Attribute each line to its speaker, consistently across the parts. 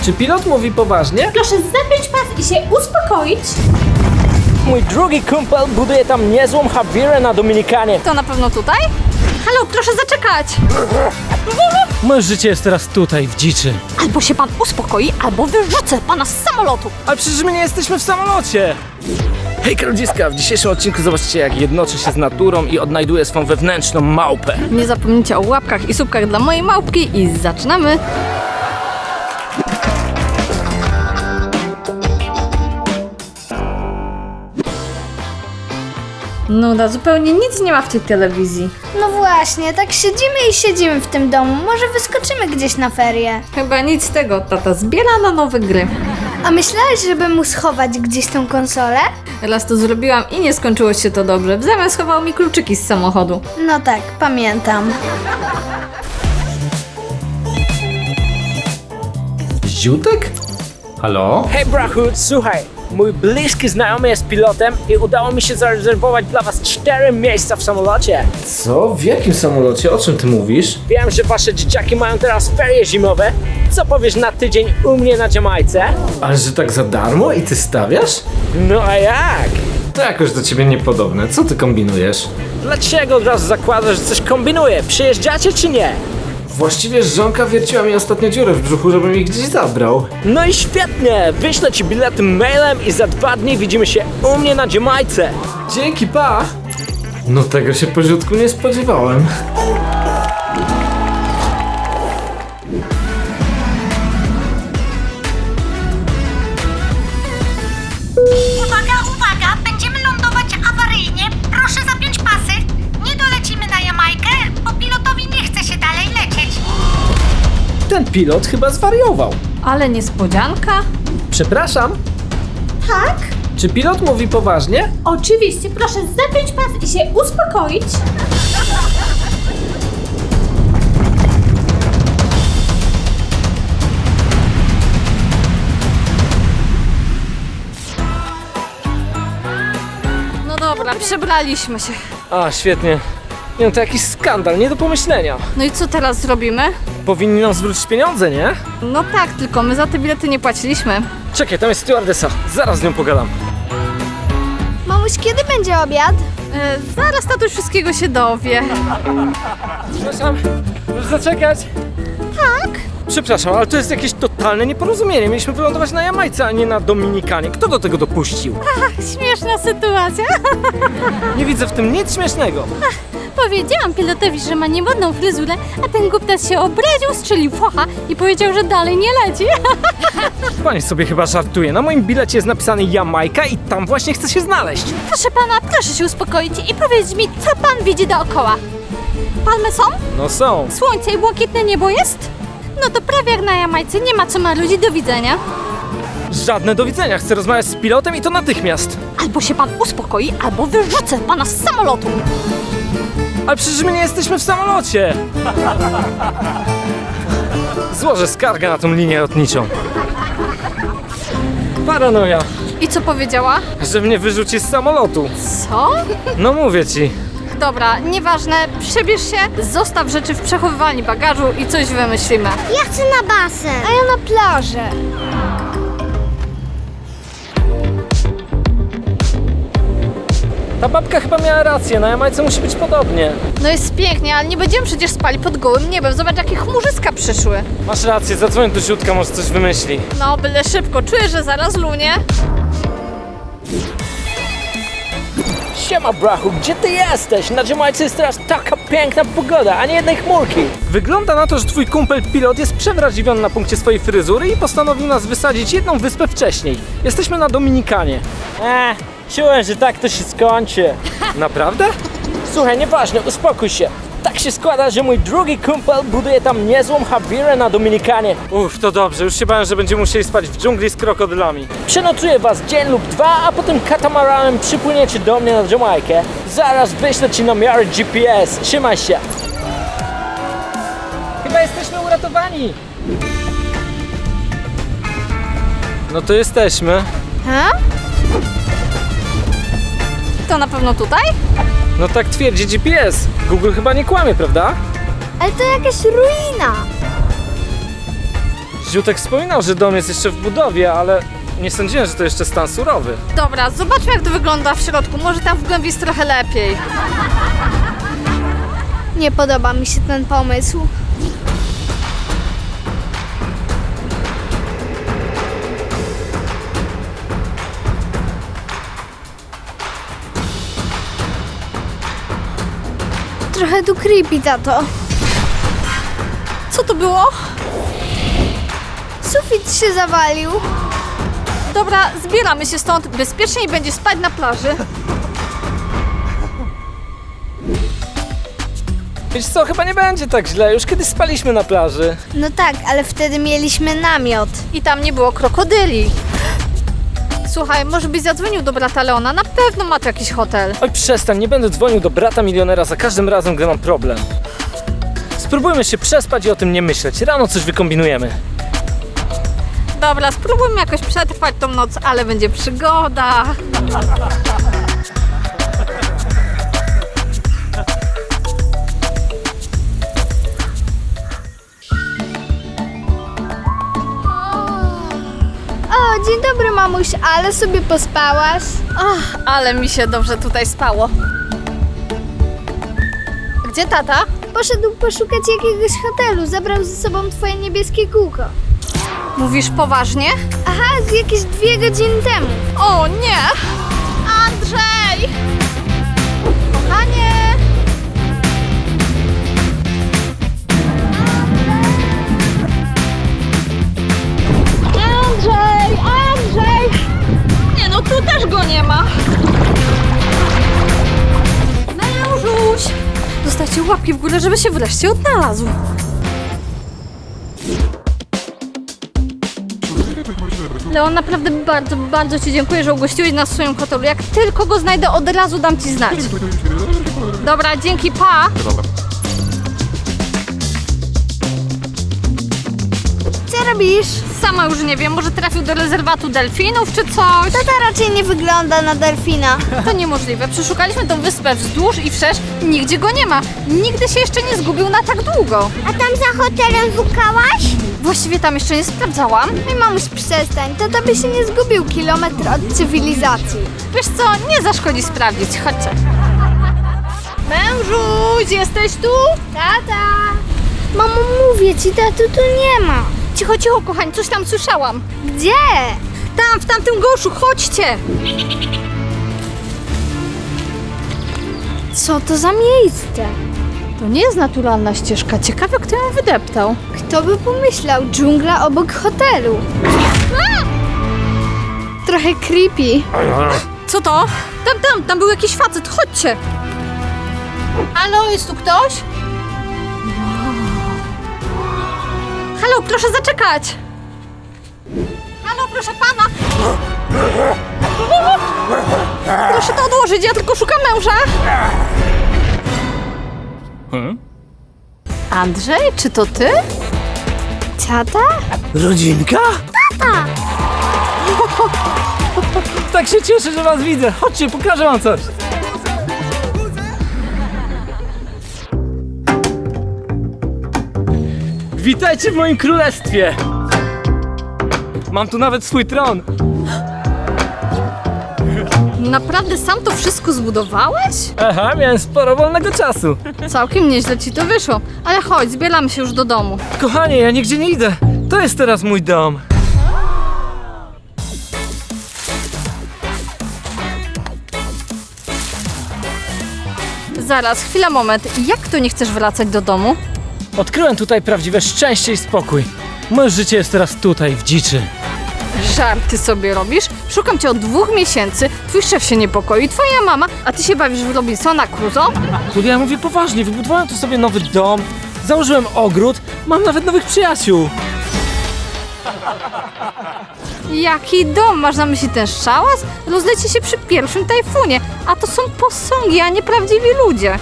Speaker 1: Czy pilot mówi poważnie?
Speaker 2: Proszę zapiąć pas i się uspokoić.
Speaker 3: Mój drugi kumpel buduje tam niezłą Javierę na Dominikanie.
Speaker 2: To na pewno tutaj? Halo, proszę zaczekać.
Speaker 1: Moje życie jest teraz tutaj, w dziczy.
Speaker 2: Albo się pan uspokoi, albo wyrzucę pana z samolotu.
Speaker 1: Ale przecież my nie jesteśmy w samolocie! Hej ludziska, w dzisiejszym odcinku zobaczcie, jak jednoczę się z naturą i odnajduję swą wewnętrzną małpę.
Speaker 2: Nie zapomnijcie o łapkach i subkach dla mojej małpki i zaczynamy. Nuda, zupełnie nic nie ma w tej telewizji.
Speaker 4: No właśnie, tak siedzimy i siedzimy w tym domu. Może wyskoczymy gdzieś na ferie.
Speaker 2: Chyba nic z tego, tata zbiera na nowe gry.
Speaker 4: A myślałeś, żeby mu schować gdzieś tą konsolę?
Speaker 2: Raz to zrobiłam i nie skończyło się to dobrze. W zamian schował mi kluczyki z samochodu.
Speaker 4: No tak, pamiętam.
Speaker 1: Ziutek? Halo?
Speaker 3: Hej brachu, słuchaj, mój bliski znajomy jest pilotem i udało mi się zarezerwować dla was 4 miejsca w samolocie.
Speaker 1: Co? W jakim samolocie? O czym ty mówisz?
Speaker 3: Wiem, że wasze dzieciaki mają teraz ferie zimowe. Co powiesz na tydzień u mnie na Jamajce?
Speaker 1: Ale że tak za darmo i ty stawiasz?
Speaker 3: No a jak?
Speaker 1: To jakoś do ciebie niepodobne. Co ty kombinujesz?
Speaker 3: Dlaczego od razu zakładasz, że coś kombinuję? Przyjeżdżacie czy nie?
Speaker 1: Właściwie żonka wierciła mi ostatnio dziurę w brzuchu, żebym ich gdzieś zabrał.
Speaker 3: No i świetnie! Wyślę ci bilety mailem i za 2 dni widzimy się u mnie na Jamajce.
Speaker 1: Dzięki, pa! No tego się po ziutku nie spodziewałem.
Speaker 5: Uwaga, uwaga! Będziemy lądować awaryjnie. Proszę zapiąć pasy. Nie dolecimy na Jamajkę, bo pilotowi nie chce się dalej lecieć.
Speaker 1: Ten pilot chyba zwariował.
Speaker 2: Ale niespodzianka.
Speaker 1: Przepraszam,
Speaker 2: Tak?
Speaker 1: czy pilot mówi poważnie?
Speaker 2: Oczywiście, proszę zapiąć pas i się uspokoić. No dobra, przebraliśmy się.
Speaker 1: A, świetnie. Nie no, to jakiś skandal, nie do pomyślenia.
Speaker 2: No i co teraz zrobimy?
Speaker 1: Powinni nam zwrócić pieniądze, nie?
Speaker 2: No tak, tylko my za te bilety nie płaciliśmy.
Speaker 1: Czekaj, tam jest stewardessa. Zaraz z nią pogadam.
Speaker 4: Mamuś, kiedy będzie obiad?
Speaker 2: Zaraz tatuś wszystkiego się dowie.
Speaker 1: Przepraszam, proszę zaczekać.
Speaker 2: Tak?
Speaker 1: Przepraszam, ale to jest jakieś totalne nieporozumienie. Mieliśmy wylądować na Jamajce, a nie na Dominikanie. Kto do tego dopuścił?
Speaker 2: Śmieszna sytuacja.
Speaker 1: Nie widzę w tym nic śmiesznego.
Speaker 2: Powiedziałam pilotowi, że ma niemodną fryzurę, a ten głuptas się obraził, strzelił focha i powiedział, że dalej nie leci.
Speaker 1: Pani sobie chyba żartuje. Na moim bilecie jest napisane Jamajka i tam właśnie chcę się znaleźć.
Speaker 2: Proszę pana, proszę się uspokoić i powiedzieć mi, co pan widzi dookoła. Palmy są?
Speaker 1: No są.
Speaker 2: Słońce i błękitne niebo jest? No to prawie jak na Jamajce, nie ma co ma ludzi, do widzenia.
Speaker 1: Żadne do widzenia. Chcę rozmawiać z pilotem i to natychmiast.
Speaker 2: Albo się pan uspokoi, albo wyrzucę pana z samolotu.
Speaker 1: Ale przecież my nie jesteśmy w samolocie. Złożę skargę na tą linię lotniczą. Paranoja,
Speaker 2: I co powiedziała?
Speaker 1: że mnie wyrzuci z samolotu.
Speaker 2: Co?
Speaker 1: No mówię ci.
Speaker 2: Dobra, nieważne, przebierz się, zostaw rzeczy w przechowywalni bagażu i coś wymyślimy.
Speaker 4: Ja chcę na basen. A ja na plażę.
Speaker 1: Ta babka chyba miała rację, na Jamajce musi być podobnie.
Speaker 2: No jest pięknie, ale nie będziemy przecież spali pod gołym niebem. Zobacz, jakie chmurzyska przyszły.
Speaker 1: Masz rację, zadzwoń do Ziutka, może coś wymyśli.
Speaker 2: No, byle szybko, czuję, że zaraz lunie.
Speaker 3: Siema brachu, gdzie ty jesteś? Na Jamajce jest teraz taka piękna pogoda, a nie jednej chmurki.
Speaker 1: Wygląda na to, że twój kumpel pilot jest przewrażliwiony na punkcie swojej fryzury i postanowił nas wysadzić jedną wyspę wcześniej. Jesteśmy na Dominikanie.
Speaker 3: Czułem, że tak to się skończy.
Speaker 1: Naprawdę?
Speaker 3: Słuchaj, nieważne, uspokój się. Tak się składa, że mój drugi kumpel buduje tam niezłą Javierę na Dominikanie.
Speaker 1: Uff, to dobrze, już się bałem, że będziemy musieli spać w dżungli z krokodylami.
Speaker 3: Przenocuję was dzień lub 2, a potem katamaranem przypłyniecie do mnie na Jamajkę. Zaraz wyślę ci namiary GPS. Trzymaj się.
Speaker 1: Chyba jesteśmy uratowani. No to jesteśmy.
Speaker 4: Ha?
Speaker 2: To na pewno tutaj?
Speaker 1: No tak twierdzi GPS. Google chyba nie kłamie, prawda?
Speaker 4: Ale to jakaś ruina.
Speaker 1: Ziutek wspominał, że dom jest jeszcze w budowie, ale nie sądziłem, że to jeszcze stan surowy.
Speaker 2: Dobra, zobaczmy jak to wygląda w środku. Może tam w głębi jest trochę lepiej.
Speaker 4: Nie podoba mi się ten pomysł. Trochę tu creepy, tato.
Speaker 2: Co to było?
Speaker 4: Sufit się zawalił.
Speaker 2: Dobra, zbieramy się stąd. Bezpieczniej będzie spać na plaży.
Speaker 1: Wiesz co, chyba nie będzie tak źle, już kiedyś spaliśmy na plaży.
Speaker 4: No tak, ale wtedy mieliśmy namiot.
Speaker 2: I tam nie było krokodyli. Słuchaj, może byś zadzwonił do brata Leona. Na pewno ma tu jakiś hotel.
Speaker 1: Oj, przestań, nie będę dzwonił do brata milionera za każdym razem, gdy mam problem. Spróbujmy się przespać i o tym nie myśleć. Rano coś wykombinujemy.
Speaker 2: Dobra, spróbujmy jakoś przetrwać tą noc, ale będzie przygoda.
Speaker 4: O, dzień dobry, mamuś, ale sobie pospałaś?
Speaker 2: Ach, ale mi się dobrze tutaj spało. Gdzie tata?
Speaker 4: Poszedł poszukać jakiegoś hotelu, zabrał ze sobą twoje niebieskie kółko.
Speaker 2: Mówisz poważnie?
Speaker 4: Aha, z jakieś 2 godziny temu.
Speaker 2: O nie! Andrzej! Kochanie! Andrzej! Andrzej! Nie no, tu też go nie ma. Mężuś! Dostajcie łapki w górę, żeby się wreszcie odnalazł. Leon, naprawdę bardzo, bardzo Ci dziękuję, że ugościłeś nas w swoim hotelu. Jak tylko go znajdę, od razu dam Ci znać. Dobra, dzięki, pa!
Speaker 4: Co robisz?
Speaker 2: Sama już nie wiem, może trafił do rezerwatu delfinów czy coś?
Speaker 4: Tata raczej nie wygląda na delfina.
Speaker 2: To niemożliwe. Przeszukaliśmy tą wyspę wzdłuż i wszerz. Nigdzie go nie ma. Nigdy się jeszcze nie zgubił na tak długo.
Speaker 4: A tam za hotelem szukałaś?
Speaker 2: Właściwie tam jeszcze nie sprawdzałam.
Speaker 4: Ej, mamuś, przestań. Tata by się nie zgubił kilometr od cywilizacji.
Speaker 2: Wiesz co, nie zaszkodzi sprawdzić. Chodźcie. Mężuś, jesteś tu?
Speaker 4: Tata! Mamo, mówię ci, tatu tu nie ma.
Speaker 2: Cicho, cicho, kochani, coś tam słyszałam.
Speaker 4: Gdzie?
Speaker 2: Tam, w tamtym goszu, chodźcie!
Speaker 4: Co to za miejsce?
Speaker 2: To nie jest naturalna ścieżka. Ciekawe, kto ją wydeptał.
Speaker 4: Kto by pomyślał? Dżungla obok hotelu. Trochę creepy.
Speaker 2: Co to? Tam był jakiś facet, chodźcie! Halo, jest tu ktoś? Halo, proszę zaczekać! Halo, proszę pana! Proszę to odłożyć, ja tylko szukam męża! Andrzej, czy to ty?
Speaker 4: Tata?
Speaker 1: Rodzinka?
Speaker 4: Tata!
Speaker 1: Tak się cieszę, że was widzę. Chodźcie, pokażę wam coś. Witajcie w moim królestwie. Mam tu nawet swój tron.
Speaker 2: Naprawdę sam to wszystko zbudowałeś?
Speaker 1: Aha, miałem sporo wolnego czasu.
Speaker 2: Całkiem nieźle ci to wyszło. Ale chodź, zbieramy się już do domu.
Speaker 1: Kochanie, ja nigdzie nie idę. To jest teraz mój dom.
Speaker 2: Zaraz, chwila, moment. Jak to nie chcesz wracać do domu?
Speaker 1: Odkryłem tutaj prawdziwe szczęście i spokój. Moje życie jest teraz tutaj, w dziczy.
Speaker 2: Żarty sobie robisz? Szukam cię od 2 miesięcy, twój szef się niepokoi, twoja mama, a ty się bawisz w Robinsona Crusoe?
Speaker 1: Julia, ja mówię poważnie, wybudowałem tu sobie nowy dom, założyłem ogród, mam nawet nowych przyjaciół.
Speaker 2: Jaki dom? Masz na myśli ten szałas? Rozleci się przy pierwszym tajfunie, a to są posągi, a nie prawdziwi ludzie.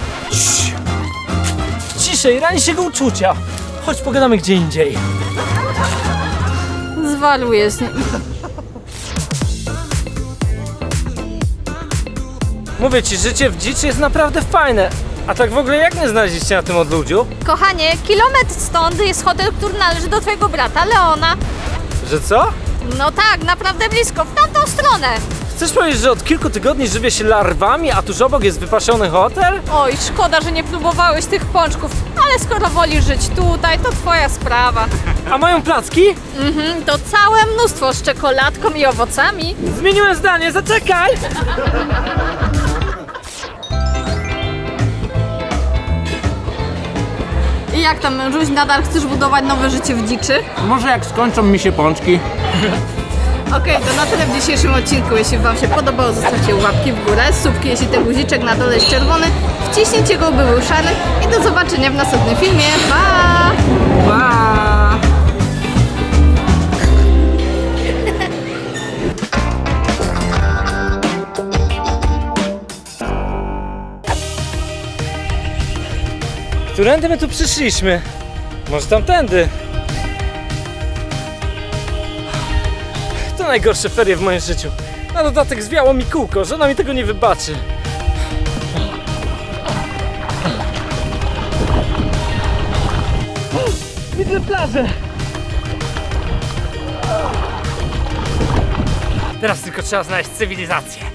Speaker 1: Ciszej, rani się go uczucia. Chodź, pogadamy gdzie indziej.
Speaker 2: Zwaluję z nim.
Speaker 1: Mówię ci, życie w dziczy jest naprawdę fajne, A tak w ogóle jak mnie znaleźliście na tym odludziu?
Speaker 2: Kochanie, kilometr stąd jest hotel, który należy do twojego brata, Leona.
Speaker 1: Że co?
Speaker 2: No tak, naprawdę blisko, w tamtą stronę.
Speaker 1: Chcesz powiedzieć, że od kilku tygodni żywię się larwami, a tuż obok jest wypasiony hotel?
Speaker 2: Oj, szkoda, że nie próbowałeś tych pączków, ale skoro wolisz żyć tutaj, to twoja sprawa.
Speaker 1: A mają placki?
Speaker 2: To całe mnóstwo z czekoladką i owocami.
Speaker 1: Zmieniłem zdanie, zaczekaj!
Speaker 2: I jak tam, mężuś, nadal chcesz budować nowe życie w dziczy?
Speaker 1: Może jak skończą mi się pączki.
Speaker 2: Okej, to na tyle w dzisiejszym odcinku. Jeśli wam się podobało, zostawcie łapki w górę, subki, jeśli ten guziczek na dole jest czerwony, wciśnijcie go, by był szary i do zobaczenia w następnym filmie. Pa!
Speaker 1: Pa! Którędy my tu przyszliśmy? Może tamtędy? To najgorsze ferie w moim życiu. Na dodatek zwiało mi kółko, żona mi tego nie wybaczy. Widzę plażę! Teraz tylko trzeba znaleźć cywilizację.